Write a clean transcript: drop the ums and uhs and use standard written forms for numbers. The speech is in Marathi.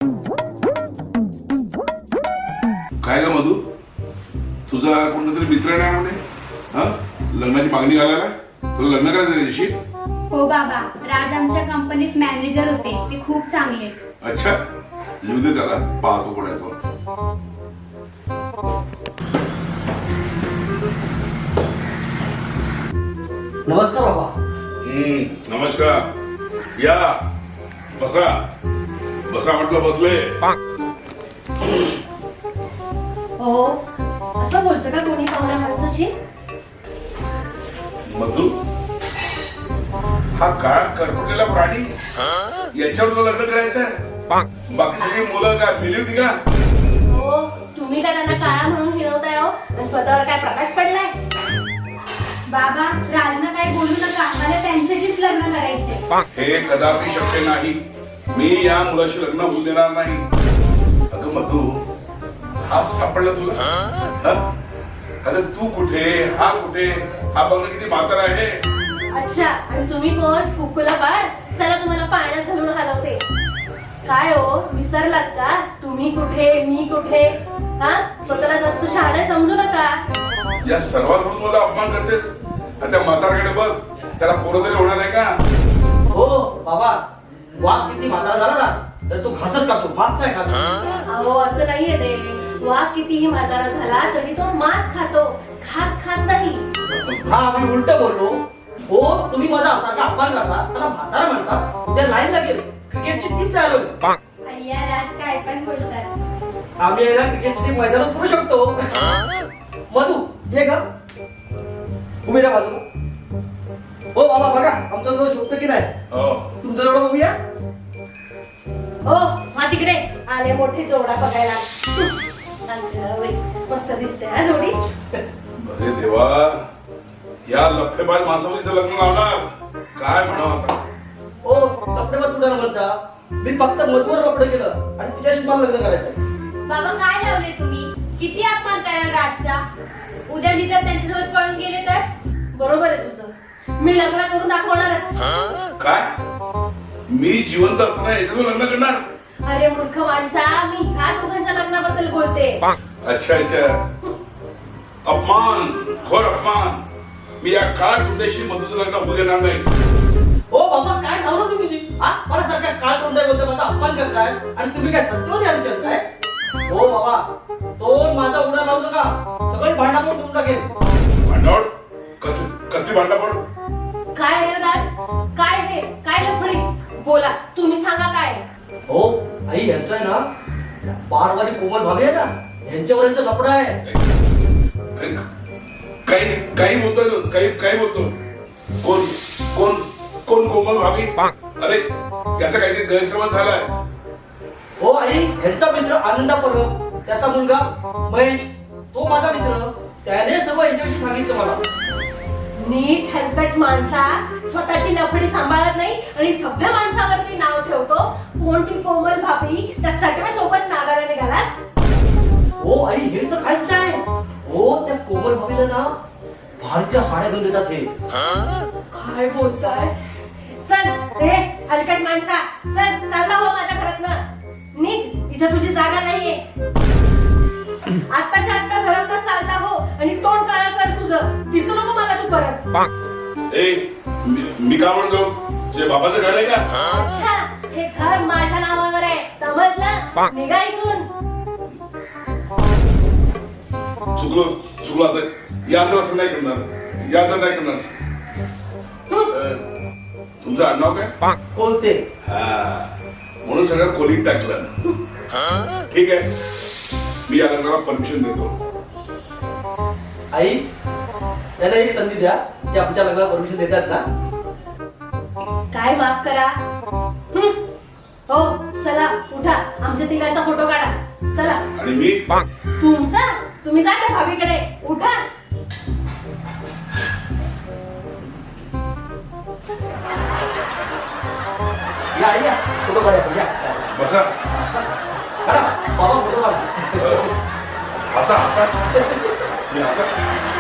काय ग मधू, तुझा कोणता तरी मित्र नाही म्हणे हा लग्नाची मागणी घालायला? तुला लग्न करायचं त्याच्याशी? हो बाबा, राज आमच्या कंपनीत मॅनेजर होते, ते खूप चांगले. अच्छा, लिहू दे त्याला, पाहतो कोण आहे तो. नमस्कार बाबा. नमस्कार. या बसा बसा म्हटलं, बसले. हो, असं बोलतं का कोणी पाहुण्या माणसाशी? मधू, हा काळा करपलेला प्राणी, याच्यावर तुला लग्न करायचंय? बाकी सगळी मुलं काय मिली होती का? हो, तुम्ही का त्यांना काळा म्हणून फिरवताय हो, आणि स्वतःवर काय प्रकाश पडलाय? बाबा, राजनं काही बोलू नका, मला त्यांच्याशीच लग्न करायचे. हे कदापि शक्य नाही. मी या मुलाशी लग्न होऊ देणार नाही. अगं मधू, हा सापडला तुला? अरे तू कुठे, हा कुठे, हा बघणं किती म्हातारा आहे. अच्छा, आणि तुम्ही कोण? कुकुला बाळ? चला तुम्हाला पाण्यात घालून हलवते. काय हो, विसरलात का? तुम्ही कुठे, मी कुठे? हा, स्वतःला जास्त शहाणे समजू नका. या सर्वांसमोर मला अपमान करतेस. त्या म्हाताऱ्याकडे बघ, त्याला पोरं तरी होणार आहे का? हो बाबा, वाघ किती म्हातारा झाला ना तर तो घासच खातो, मांस नाही खातो. अहो, असं नाहीये ते. वाघ कितीही म्हातारा झाला तरी तो मांस खातो, घास खात नाही. हा, आम्ही उलट बोललो. हो, तुम्ही माझा असा अपमान करता, त्याला म्हातारा म्हणता. उद्या लाईन लागेल, क्रिकेटची टीम तयार होईल. अय्या, राज काय पण बोलतात. आम्ही याला क्रिकेटची टीम मैदानात करू शकतो. मधू, ये का उभी राहा बाजूला. हो बाबा, बघा आमचा जो शोधतो की नाही, तुमचा जोडा बघूया. हो, हा तिकडे आले मोठे जोडा बघायला. मस्त दिसते हा जोडी. अरे देवा, या लफेबाज माणसावरीचं लग्न लावणार, काय म्हणावं आता. ओ, लपडे बसवलं म्हणता. मी फक्त मधुवर लपडे केलं आणि तुझ्याशी मला लग्न करायचं. बाबा, काय लावले तुम्ही? किती अपमान कराल राजचा? उद्या मी जर त्यांच्यासोबत पळून गेले तर? बरोबर आहे तुझं. मी लग्न करून दाखवणारच. काय, मी जिवंत असताना याच्यावर लग्न करणार? अरे मूर्ख माणसा, मी ह्या दोघांच्या लग्नाबद्दल बोलते. अच्छा अच्छा, अपमान, घोर अपमान. मी या काळ टुंड्याशी मधूचं लग्न होऊ देणार नाही. ओ बाबा, काय झालं तुम्ही? हा, मला सारख्या काळ तोंडाय बोलतो, माझा अपमान करताय आणि तुम्ही काय सत्य द्यायला शकताय? हो बाबा, तो माझा उडा लावू नका, सगळी भांडाफोड करून टाकेल. भांडावड? कसली भांडावड? काय आहे राज? काय हे? काय लफडी? बोला, तुम्ही सांगा काय? हो आई, यांचं आहे ना पारवारी कोमल भाभी आहे ना, यांच्यावर यांचं लपडा आहे. काही काही बोलतोय तो, काही बोलतो. कोण कोण कोण कोमल भाभी? अरे याचा काहीतरी गैरसमज झालाय. हो आई, यांचा मित्र आनंदा परब, त्याचा मुलगा महेश, तो माझा मित्र. त्याने सर्व यांच्याविषयी सांगितलं मला. नीट हलकट माणसा, स्वतःची लफडी सांभाळत नाही आणि सभ्य माणसावरती नाव ठेवतो. कोणती कोमल भाभी? त्या सटव्या सोबत नादाला निघालास? हो आई, हे तर काहीच नाही. हो, त्या कोमल भाभीला ना भारतीय साड्या घेऊन देतात हे. काय बोलताय? चल हे हलकट माणसा, चल, चालला हो माझ्या घरात ना. निघ, इथे तुझी जागा नाहीये. आत्ताच्या आत्ता घरात चालता हो आणि तोंड काळा कर तुझं. दिसू नको मला तू परत. ए, मी काय म्हणतो, तुझ्या बाबाचं घर आहे का? अच्छा, हे घर माझ्या नावावर आहे, समजलं? निघा इथून. चुकलो आता. या तर असं नाही करणार, या तर नाही करणार. तुमचं आडनाव काय? कोणते? हा, म्हणून सगळं खोलीत टाकलं. ठीक आहे, मी या लग्नाला परमिशन देतो. आई, त्यांना एक संधी द्या, ते आमच्या लग्नाला परमिशन देतात ना. काय माफ करा. हो, चला उठा, आमच्या तिघांचा फोटो काढा. चला. आणि मी? तुमचा? तुम्ही जा त्या भाभीकडे, उठा. या आई, या फोटो काढा. या बसा. काढा बाबा, फोटो काढा. हसा हसा.